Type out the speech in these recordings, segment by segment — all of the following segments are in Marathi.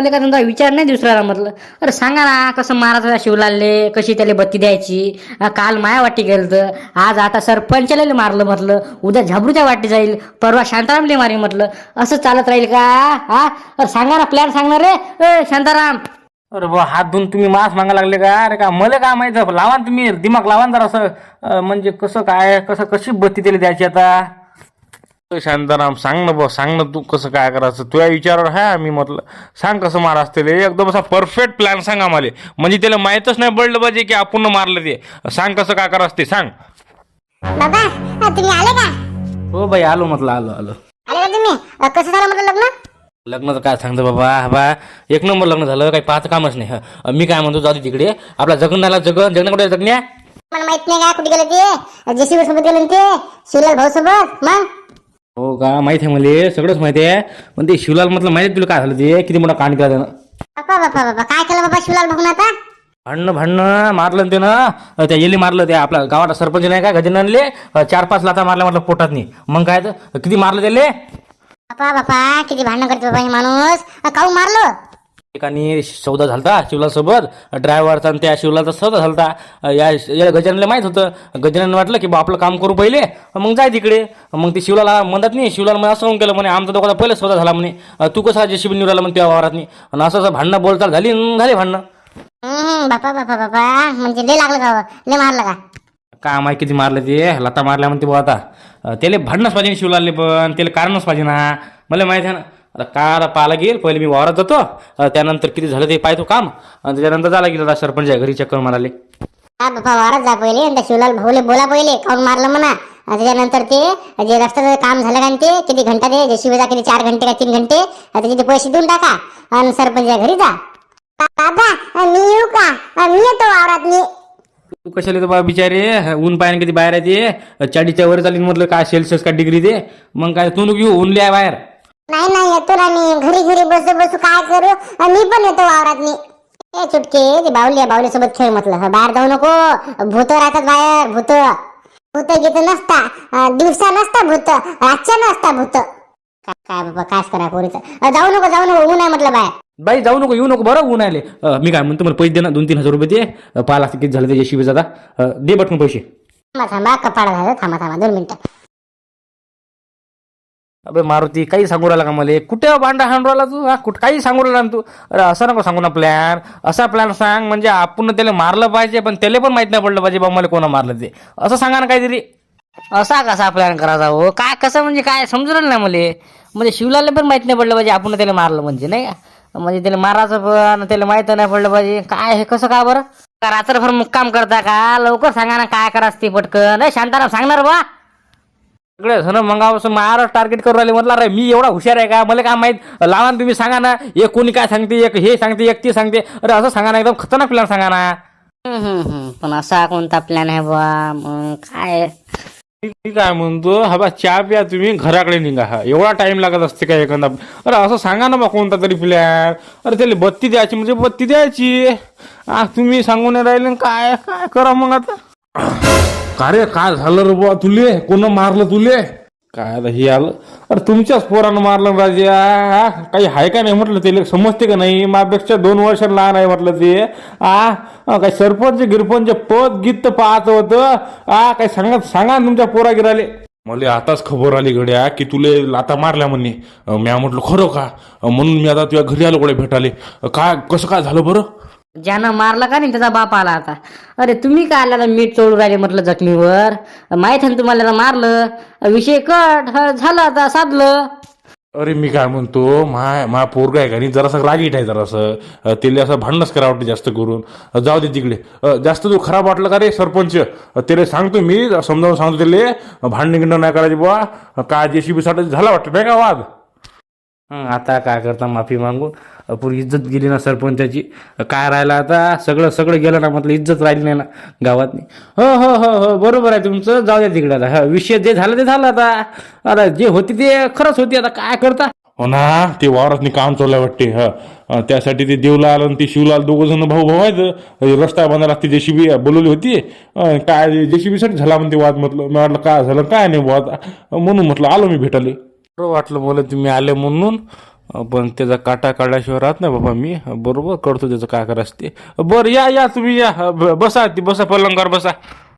मला का तुमचा विचार नाही दुसऱ्याला म्हटलं. अरे सांगा ना कसं मारायचं शिवलालले, कशी त्याला बत्ती द्यायची. काल माया वाटी गेलं तर आज आता सरपंचाला मारलं म्हटलं, उद्या झाबरूच्या वाटी जाईल, परवा शांतारामले मारी म्हटलं. असं चालत राहील का? हा अरे सांगा ना प्लॅन सांगणार रे शांताराम. अरे बा हात धुवून तुम्ही मास मागा लागले का? अरे का मला काय माहित, लावा ना तुम्ही दिमाग लावा ना जरा असं. म्हणजे कसं काय कशी बत्ती त्याला द्यायची आता. शांताराम सांग ना बा, सांग ना तू कसं काय करायचं. तुझ्या विचारावर आहे मी म्हटलं. सांग कसं मारा असते एकदम असा परफेक्ट प्लॅन सांग आम्हाला. म्हणजे त्याला माहीतच नाही पडलं पाहिजे की आपण मारलं ते. सांग कसं काय करायचं ते सांग. बाबा तुम्ही आले का? हो बाई आलो म्हटलं, आलो आले का तुम्ही? कसं झालं म्हटलं लग्न? लग्नाचं काय सांगतो बाबा एक नंबर लग्न झालं, काही पाहतं कामच नाही. मी काय म्हणतो जाऊ दे तिकडे, आपला जगण्याला जगणं कुठे जगण्या. मला माहित नाही का कुठे गेले ते? जेसीबी सोबत गेले ते शिवलाल भाऊ सोबत. मग हो का? माहित आहे मला, सगळंच माहिती आहे. पण ते शिवलाल म्हटलं माहिती तुला काय झालं, ते किती मोठा कांड केला त्यानं. बाबा काय केलं बाबा शिवलाल भाऊन आता? भांडणं मारलं ते ना, त्या येली मारलं. त्या आपल्या गावात सरपंच नाही का गजाननले, 4-5 लाथा मारल्या म्हटलं पोटात नाही. मग काय तर किती मारलं त्याले. बापा किती भांडण करतो बाबा हे माणूस. काऊ मारलो? एकाने सौदा झालता शिवलाल सोबत, ड्रायव्हरचा आणि त्या शिवलालचा सौदा झालता. या गजाननला माहित होतं. गजानन वाटलं की बा आपलं काम करू पहिले, मग जाय तिकडे. मग ते शिवलाला म्हणत नाही, शिवलाल मला असं केलं म्हणे, आमचा दोघांचा पहिले सौदा झाला म्हणे, तू कसा जेसीबी निवडाला म्हणे त्या वावरात नाही. आणि असं भांडणं बोलचाल झाली भांडणं. बापा म्हणजे लय लागलं का? लय मारलं का? काय माहिती किती मारलं ते, लता मारल्या म्हणते बा. आता त्याला भांडणंच पाहिजे शिवलालले, पण त्याला कारणच पाहिजे ना. मला माहिती आहे ना. आता काय पाहायला गेल पहिले मी वावरात जातो, त्यानंतर किती झालं ते पाहतो काम, आणि त्याच्यानंतर झाला गेला सरपंच घरी चक्कर माराले. बापा वावरात जा पहिले, त्या शिवलाल भाऊले बोला पहिले काऊन मारलं म्हणा. त्याच्यानंतर ते जे रस्त्याचं काम झालं का ते किती घंटा ते जेसीबीचा किती 4 घंटे का 3 घंटे त्याचे पैसे देऊन टाका आणि सरपंच घरी जा. दादा मी येऊ का? मी येतो वावरात. मी तू कशाला येतो बा बिचारे, ऊन पाहिजे किती बाहेर आहे ते, 40च्या वर चालीन म्हटलं काय सेल्सिअस का डिग्री ते. मग काय तू नको येऊ, ऊन लिहाय बाहेर. नाही येतो ना मी. घरी बसू काय करू? मी पण येतो वावरात. मी चुटके ते बावली सोबत खेळ म्हटलं. बाहेर जाऊ नको, भूत राहतात बाहेर. भूत घेत नसता, दिवसा नसता भूत, रातच्या नसता भूत. काय बाबा कास करा पोरीचं. जाऊ नको ऊन आहे म्हटलं बाहेर. बाई जाऊ नको, येऊ नको बरं, ऊन आले. मी काय म्हणतो, मला पैसे दे ना, 2-3 हजार रुपये ते. पाहा किती झालं ते जेसीबी जाता, दे बटकून पैसे. थांबा कपाडा झालं. थांबा 2 मिनिटं. अबे मारुती काही सांगू राहिला का मला? कुठे भांडा हाणू राहिला तू? कुठं काही सांगू राहिला ना तू? अरे असं नको सांगू ना प्लॅन. असा प्लॅन सांग म्हणजे आपण त्याला मारलं पाहिजे, पण त्याला पण माहित नाही पडलं पाहिजे बा मला कोणा मारलं ते. असं सांगा ना काहीतरी. असा कसा प्लॅन करायचा हो? काय कसं म्हणजे काय समजू राहिलं नाही मला. म्हणजे शिवलालला पण माहित नाही पडलं पाहिजे आपण त्याला मारलं म्हणजे, नाही का? म्हणजे त्याला मारायचं पण त्याला माहित नाही पडलं पाहिजे. काय हे कसं का बरं? का रात्रभर मुक्काम करता का? लवकर सांगा ना काय करायचं ते पटकन. नाही शांताराम सांगणार बा. सगळे जण मंगावं मारा टार्गेट करू राहिले. म्हटलं अरे मी एवढा हुशार आहे का? मला काय माहित. लावा ना तुम्ही, सांगा ना. एक कोणी काय सांगते, एक हे सांगते, एक ते सांगते. अरे असं सांगा ना, एकदम खतरनाक प्लॅन सांगा ना. पण असा कोणता प्लॅन आहे बा? मग काय मी काय म्हणतो, हा बा चहा प्या तुम्ही, घराकडे निघा. हा एवढा टाइम लागत असते का एखादा? अरे असं सांगा ना बा कोणता तरी प्लॅन. अरे त्याला बत्ती द्यायची म्हणजे बत्ती द्यायची. तुम्ही सांगून राहिले काय काय करा मग आता. का रे काय झालं रे बुवा तुले? कोण मारलं तुले? काय आता हे आलं. अरे तुमच्याच पोरानं मारलं राजा. काही आहे का नाही म्हटलं, ते समजते का नाही? माझ्यापेक्षा 2 वर्ष लहान आहे म्हटलं ते. काय सरपंच गिरपंच पद गीत पाहत होतं. काय सांगा तुमच्या पोरा गिराले. मला आताच खबर आली गड्या की तुले लाता मारल्या म्हणे. म्या म्हटलं खरं का? म्हणून मी आता तुझ्या घरी आलो कडे भेटाले. काय कसं काय झालं बरं? ज्यानं मारलं का नाही त्याचा बाप आला आता. अरे तुम्ही काय आला मीठ चोळू राहिले म्हटलं जखमीवर. माहित आहे ना तुम्हाला मारलं, विषय कट झालं, आता साधलं. अरे मी काय म्हणतो, मा पोरगा आहे का नाही जरासं रागीट आहे जरासं. त्याला असं भांडणच करा वाटतं जास्त करून. जाऊ दे तिकडे. जास्त तू खराब वाटलं का रे सरपंच? त्याला सांगतो मी, समजावून सांगतो त्याला भांडण गिंड नाही करायची बुवा. काय जेसीबी साठी झाला वाटतं नाही का वाद? आता काय करता, माफी मागून पुरी इज्जत गेली ना सरपंचाची. काय राहिलं आता? सगळं गेलं ना म्हटलं, इज्जत राहिली नाही ना गावात. हो बरोबर आहे तुमचं. जाऊ द्या तिकडे आता. विषय जे झालं ते झालं आता. आता जे होती ते खरंच होती. आता काय करता? हो ना, ते वावरातनी काम चाललं वाटते. त्यासाठी ते देवला आलं आणि ते शिवलाल 2 जण भाऊ आहेत. रस्ता बांधायला लागते, जेसीबी बोलवली होती. काय जेसीबी साठी झाला म्हणते वाद. म्हटलं मी म्हटलं काय झालं काय नाही वाद, म्हणून म्हटलं आलो मी भेटाले. बरं वाटलं मला तुम्ही आले म्हणून. पण त्याचा काटा काढल्याशिवाय राहत नाही बाबा मी. बरोबर करतो त्याचं काय करायचं ते. बरं या या तुम्ही या. बसा ती बसा पलंगावर बसा.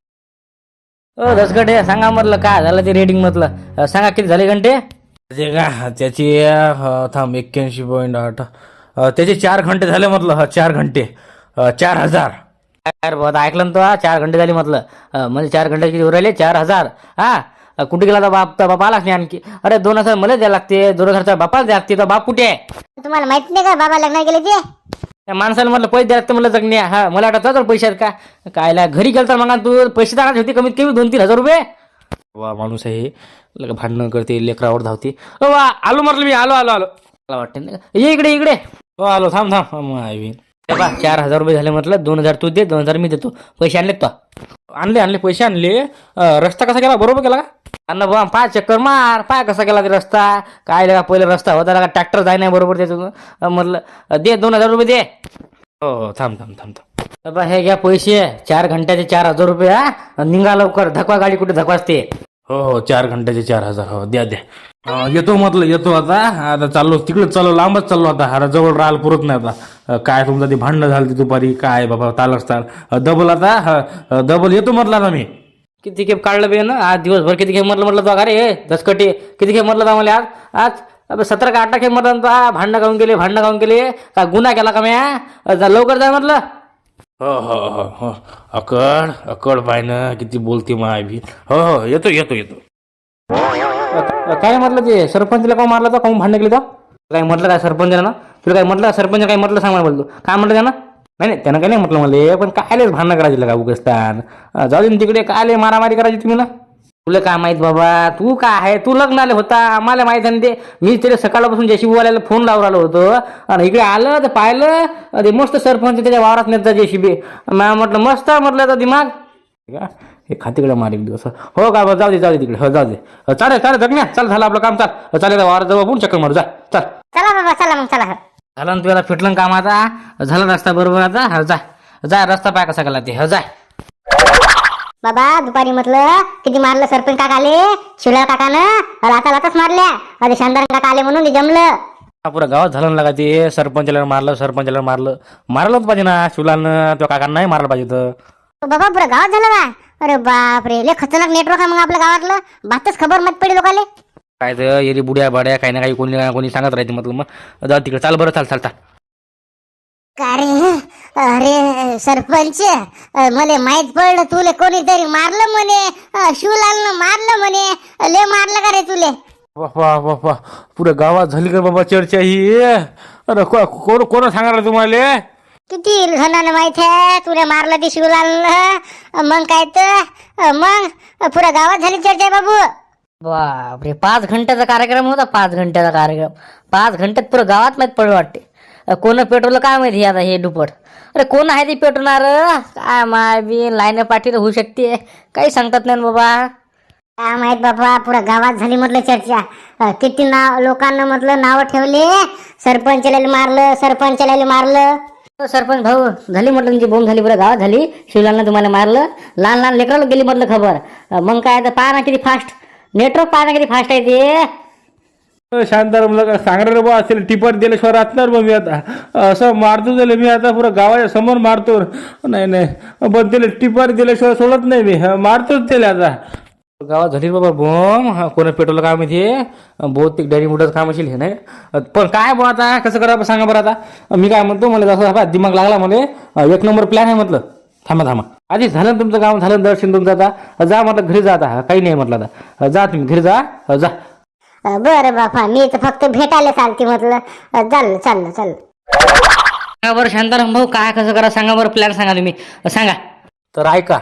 दसगटे सांगा म्हटलं काय झालं ते रेटिंग म्हटलं सांगा किती झाले घंटे. ते का त्याची थांब 81.8 त्याचे 4 घंटे झाले म्हटलं. 4 घंटे 4,000. यार बाबा ऐकलं ना तो 4 घंटे झाले म्हटलं म्हणजे 4 घंटे किती उरायले 4,000. हा कुठे गेला तर बाप आलाच नाही आणखी. अरे 2,000 मला द्यायला लागते 2,000 बापाला द्यायला लागते. तर बाप कुठे आहे. तुम्हाला माहित नाही का बाबा लग्न गेले ते. त्या माणसाला म्हटलं पैसे द्यायला लागते म्हणलं जगण्या. हा मला वाटतं तर पैसे आहेत का कायला घरी गेलं तर मग तू पैसे द्यायला होते कमीत कमी 2-3 हजार रुपये. वा माणूस आहे भांडणं करते लेकरावर धावते. वा आलो म्हटलं मी आलो आलो आलो. मला वाटतं नाही का ये इकडे इकडे. आलो थांब थांब आईन. 4,000 रुपये झाले म्हटलं 2,000 तू दे 2,000 मी देतो. पैसे आणले तो आणले पैसे आणले. रस्ता कसा केला बरोबर केला का. अन्न बा पाय चक्कर मार पाय कसा केला ते रस्ता काय लगा पहिले रस्ता होता का ट्रॅक्टर जाय नाही बरोबर त्याचं म्हटलं दे 2,000 रुपये दे. हो थांब थांब थांब थांब. बाबा हे घ्या पैसे 4 घंट्याचे 4,000 रुपये. हा निघा लवकर धकवा गाडी कुठे धकवाचते. हो 4 घंट्याचे 4,000. हो द्या द्या. येतो म्हटलं येतो आता चाललो तिकडे चाललो लांबच चाललो आता. अरे जवळ राहायला पुरत नाही आता. काय तुमचं ते भांडणं झालं दुपारी काय बाबा तालच ताल डबल आता डबल येतो म्हटलं आता मी. किती खेप काढलं बे ना आज दिवसभर किती खेप म्हटलं तो अरे दसकटी किती खेप म्हटलं आम्हाला आज आज 17 का 18 खेप म्हटलं भांडणं खाऊन गेले का गुन्हा केला का म्या लवकर जा म्हटलं. हो हो हो हो अकड पाय ना किती बोलते माय भी. हो हो येतो येतो येतो. काय म्हटलं ते सरपंचला का मारलं तर काऊन भांडण केली तर काय म्हटलं काय सरपंचाला ना तुला काय म्हटलं सरपंच काय म्हटलं सांग मला बोलतो काय म्हटलं त्यानं नाही त्यानं काय नाही म्हटलं मला पण कायलेच भांडणं करायची का उगस्तान जाऊ दे तिकडे कायले मारामारी करायची तुम्ही ना. तुला काय माहित बाबा तू काय आहे तू लग्नाला होता आम्हाला माहित आहे ते. मी तरी सकाळपासून जेसीबीवाल्याला फोन लावून राहिलो होतो आणि इकडे आलं तर पाहिलं ते मस्त सरपंच त्याच्या वावरात नेता जेसीबी. म्हटलं मस्त म्हटलं तर दिमाग हे खातीकडे मार एक दिवस. हो का जाऊ दे तिकडे. हो जाऊ दे चालेल जगण्या चल झालं आपलं काम चाल चालेल वावरात जाऊ आपण चक्कर मारू जा चल. चला बाबा चला मग चला. झालं ना तुला फिटलं काम आता झालं रस्ता बरोबर आता हा जा रस्ता पाय कसा केला ते हो जा. बाबा दुपारी म्हटलं किती मारलं सरपंच काका आले शिवलाल काकानं लाताच मारल्या. अरे शानदार काका आले म्हणून जमलं. पुरा गावात झालं ना ते सरपंचाला मारलं होतं पाहिजे ना शिवलालनं त्या काकांना नाही मारलं पाहिजे तर. बाबा पुरा गावात झालं का. अरे बाप रे लय खतरनाक नेटवर्क आहे मग आपल्या गावातलं. बातच खबर मत पडली लोकाले. काय तर येरी बुड्या बाड्या काही ना काही कोणी सांगत राहते म्हटलं मग जाऊ तिकडे चाल बरं चाल. अरे सरपंच मला माहित पडलं तुले कोणीतरी मारलं म्हणे शिवलालनं मारलं म्हणे लय मारलं का रे तुले. बापा पुऱ्या गावात झाली का बाबा चर्चा ही. अरे कोण सांगायला तुम्हाला. किती जणांना माहित आहे तुला मारलं ते शिवलालनं. मग काय तर मग पुऱ्या गावात झाली चर्चा आहे बाबू. बापरे 5 घंट्याचा कार्यक्रम होता 5 घंट्याचा कार्यक्रम 5 घंट्यात पुरं गावात माहीत पडलं वाटते. कोण पेट्रोल काय माहिती आता हे दुपट. अरे कोण आहे ते पेटवणार काय माय बी लाईन पाठी होऊ शकते काही सांगतात नाही बाबा. काय माहित बाबा पुऱ्या गावात झाली म्हटलं चर्चा. किती नाव लोकांना म्हटलं नाव ठेवले सरपंचाला मारलं. सरपंच भाऊ झाली म्हटलं तुमची बोंब झाली पुऱ्या गावात झाली शिवलालनं तुम्हाला मारलं. लहान लेकराला गेली म्हटलं खबर. मग काय तर पहा ना किती फास्ट नेटवर्क पहा ना किती फास्ट आहे ते. शांतार मला सांगणार बा असेल टिपर दिल्याशिवाय राहणार मग मी आता असं मारतो त्याला मी आता पुरा गावाच्या समोर मारतो. नाही पण त्याला टिपर दिल्याशिवाय सोडत नाही मी मारतोच त्याला आता. गावात झाली बाबा बोम कोणा पेट्रोल काम इथे बहुतेक डॅरी मोठंच काम असेल हे नाही पण काय बा आता कसं करा सांगा बरं आता. मी काय म्हणतो मला जसं दिमाग लागला मला 1 नंबर प्लॅन आहे म्हटलं. थांबा आधी झालं तुमचं काम झालं दर्शन तुमचं आता जा म्हटलं घरी जा आता काही नाही म्हटलं आता जा तुम्ही घरी जा. बरं बापा मी तर फक्त भेटायला चालते म्हटलं. चाललं सांगा बरं शांताराम भाऊ काय कसं करा सांगा बरं प्लॅन सांगा तुम्ही सांगा. तर ऐका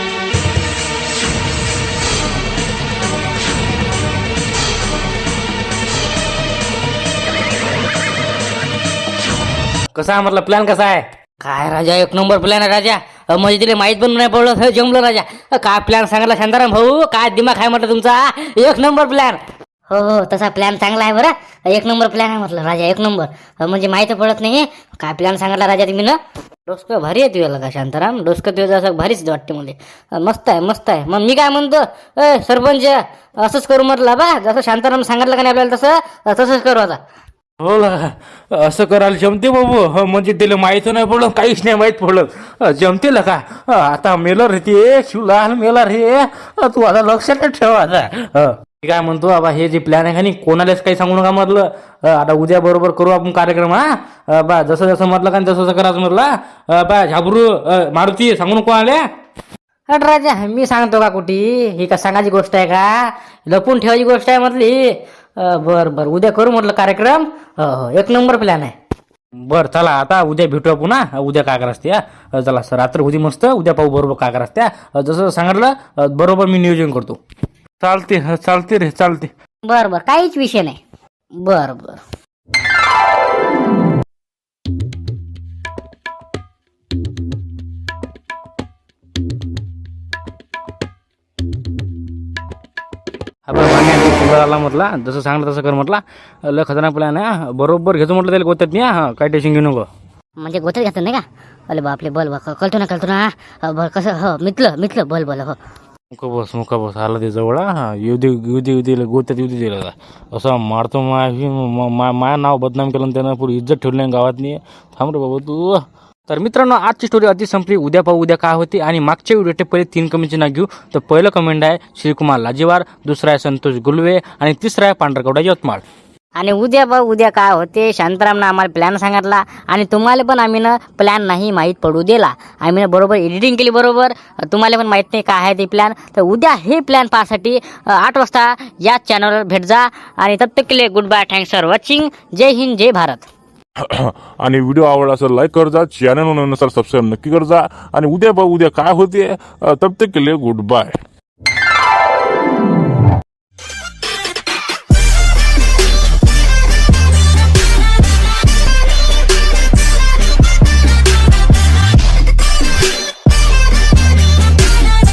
कसा म्हटलं प्लॅन कसा आहे. काय राजा 1 नंबर प्लॅन आहे राजा. म्हणजे तिला माहीत पण नाही पडलं जमलं राजा. काय प्लॅन सांगितला शांताराम भाऊ काय दिमाग आहे म्हटलं तुमचा 1 नंबर प्लॅन. हो तसा प्लॅन चांगला आहे बरं 1 नंबर प्लॅन आहे म्हटलं राजा 1 नंबर म्हणजे माहिती पडत नाही काय प्लॅन सांगितला राजा तुम्ही ना. डोसकं भारी आहे तुला का शांताराम डोसकं तुझं असं भारीच वाटते मला. मस्त आहे मग मी काय म्हणतो सरपंच असंच करू म्हटलं बा जसं शांताराम सांगितलं का नाही आपल्याला तसंच करू आता. हो ना, असं करायला जमते बाबू. म्हणजे त्याला माहित नाही पडलं, काहीच नाही माहित पडलं. जमते का? आता मेलर रे ते शिवलाल मेला रे. तू आता लक्षात ठेव आता. मी काय म्हणतो बाबा, हे जे प्लॅन आहे का नाही कोणालाच काही सांगू नका म्हटलं. आता उद्या बरोबर करू आपण कार्यक्रम. बा जसं जसं म्हटलं का तसं तसं करायचं म्हटलं. बा झाबरू मारुती सांगू नको आल्या. अरे राजा, मी सांगतो का कुठी? ही का सांगायची गोष्ट आहे का? लपून ठेवायची गोष्ट आहे म्हटली. बर उद्या करू म्हटलं कार्यक्रम. एक नंबर प्लॅन आहे. बर चला, आता उद्या भेटूया पुन्हा. उद्या काय करायचं चला सर, रात्र उद्या मस्त. उद्या पाहू बरोबर काय करायचं जसं सांगितलं बरोबर मी नियोजन करतो. चालते रे चालते. बर काहीच विषय नाही. बर आपण आला म्हटला, जसं सांगलं तसं कर म्हटला. लय खतरनाक प्लॅन आहे. बरोबर घेतो म्हटलं त्याला गोत्यात नाही. काय टेन्शन घेऊ नको. म्हणजे गोत्यात घातलं नाही का? अरे बापले, बल कळतो ना. बल कसं हो मितलं बल हो. मुका बस आला ते जवळ. येऊ दे गोत्यात येऊ दे. असं मारतो माया नाव बदनाम केलं त्यानं. पुरी इज्जत ठेवली नाही गावातनी. थांब रे बाबा तू. तर मित्रांनो, आजची स्टोरी आधी संपली. उद्या पाहू उद्या काय होते. आणि मागच्या व्हिडिओचे पहिले 3 कमेंटचे नाव घेऊ. तर पहिलं कमेंट आहे श्रीकुमार लाजीवार, दुसरा आहे संतोष गुलवे आणि तिसरा आहे पांढरकवडा यवतमाळ. आणि उद्या काय होते, शांतारामनं आम्हाला प्लॅन सांगितला आणि तुम्हाला पण आम्ही ना प्लॅन नाही माहीत पडू दिला. आम्ही बरोबर एडिटिंग केली बरोबर. तुम्हाला पण माहीत नाही काय आहे ते प्लॅन. तर उद्या हे प्लॅन पाहण्यासाठी 8 वाजता याच चॅनलवर भेट जा. आणि तब तक के लिए good bye, thanks for watching. जय हिंद जय भारत. आणि व्हिडिओ आवडला असेल लाईक कर जा, चॅनल नवीन असेल सबस्क्राईब नक्की कर जा. आणि उद्या काय होते तब तक के लिए गुड बाय.